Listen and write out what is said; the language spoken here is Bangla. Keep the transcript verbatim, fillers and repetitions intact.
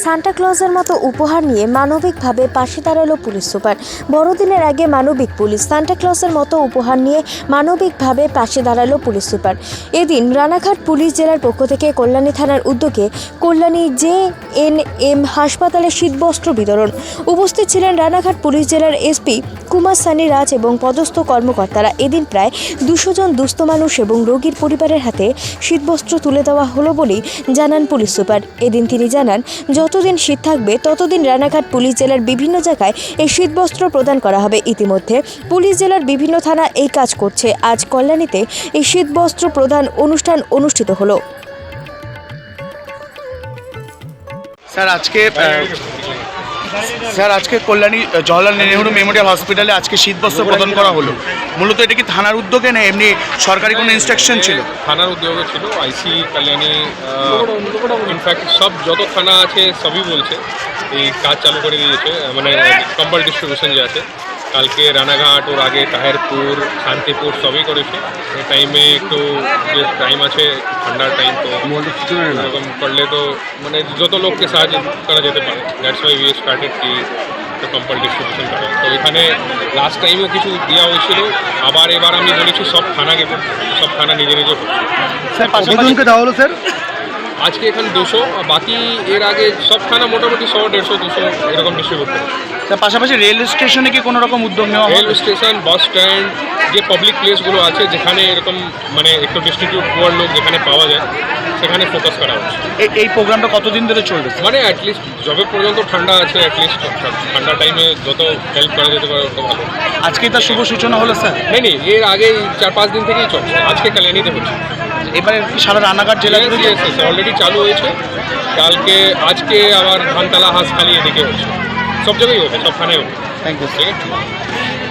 সান্টা ক্লজের মতো উপহার নিয়ে মানবিকভাবে পাশে দাঁড়ালো পুলিশ সুপার। বড়দিনের আগে মানবিক পুলিশ, সান্টা ক্লজের মতো উপহার নিয়ে মানবিকভাবে পাশে দাঁড়ালো পুলিশ সুপার। এদিন রানাঘাট পুলিশ জেলার পক্ষ থেকে কল্যাণী থানার উদ্যোগে কল্যাণী জে এন এম হাসপাতালে শীতবস্ত্র বিতরণ। উপস্থিত ছিলেন রানাঘাট পুলিশ জেলার এসপি কুমার সানি রাজ এবং পদস্থ কর্মকর্তারা। এদিন প্রায় দুশো জন দুস্থ মানুষ এবং রোগীর পরিবারের হাতে শীতবস্ত্র তুলে দেওয়া হলো বলেই জানান পুলিশ সুপার। এদিন তিনি জানান, যতদিন শীত থাকবে ততদিন রানাঘাট পুলিশ জেলার বিভিন্ন জায়গায় এই শীতবস্ত্র প্রদান করা হবে। ইতিমধ্যে পুলিশ জেলার বিভিন্ন থানা এই কাজ করছে। আজ কল্যাণীতে এই শীতবস্ত্র প্রদান অনুষ্ঠান অনুষ্ঠিত হলো। স্যার আজকে স্যার আজকে কল্যাণী জওহরলাল নেহরু মেমোরিয়াল হসপিটালে আজকে শীতবস্ত্র প্রদান করা হলো। মূলত এটা কি থানার উদ্যোগে না এমনি সরকারি কোনো ইনস্ট্রাকশন ছিল? থানার উদ্যোগে ছিল। আইসি কল্যাণী ইনফ্যাক্ট সব যত থানা আছে সবই বলছে এই কাজ চালু করে দিয়েছে, মানে কম্বল ডিস্ট্রিবিউশন যে আছে। কালকে রানাঘাট ওর আগে তাহেরপুর, শান্তিপুর সবই করেছে। এই টাইমে একটু যে টাইম আছে ঠান্ডার টাইম, তো এরকম করলে তো মানে যত লোককে সাহায্য করা যেতে পারে। দ্যাটস ওয়াই উই স্টার্টেড কি তো কম্বল ডিস্ট্রিবিউশন করা। তো এখানে লাস্ট টাইমেও কিছু দেওয়া হয়েছিল, আবার এবার আমি বলেছি সব থানাকে করছে, সব থানা নিজে নিজে করছে। স্যার কতজনকে দেওয়া হলো স্যার? আজকে এখানে দুশো, বাকি এর আগে সব থানা মোটামুটি শো দেড়শো দুশো এরকম ডিস্ট্রিবিউট করে। তার পাশাপাশি রেল স্টেশনে কি কোনো রকম উদ্যোগ নেওয়া রেল স্টেশন, বাস স্ট্যান্ড, যে পাবলিক প্লেসগুলো আছে যেখানে এরকম মানে একটু ডিস্ট্রিবিউট হওয়ার লোক যেখানে পাওয়া যায় সেখানে ফোকাস করা হচ্ছে। এই প্রোগ্রামটা কতদিন ধরে চলবে? মানে অ্যাটলিস্ট যবে পর্যন্ত ঠান্ডা আছে, অ্যাটলিস্ট ঠান্ডা টাইমে যত হেল্প করা যেতে পারে তত ভালো। আজকে তার শুভ সূচনা হলো স্যার? নেই নেই এর আগেই চার পাঁচ দিন থেকেই চলছে, আজকে কল্যাণীতে হচ্ছে। এবারে সারা রানাঘাট জেলা অলরেডি চালু হয়েছে, কালকে আজকে আবার ধানতলা, হাঁসখালি এদিকে হচ্ছে, সব জায়গায় হবে, সব থানায় হবে। Thank you. ঠিক আছে।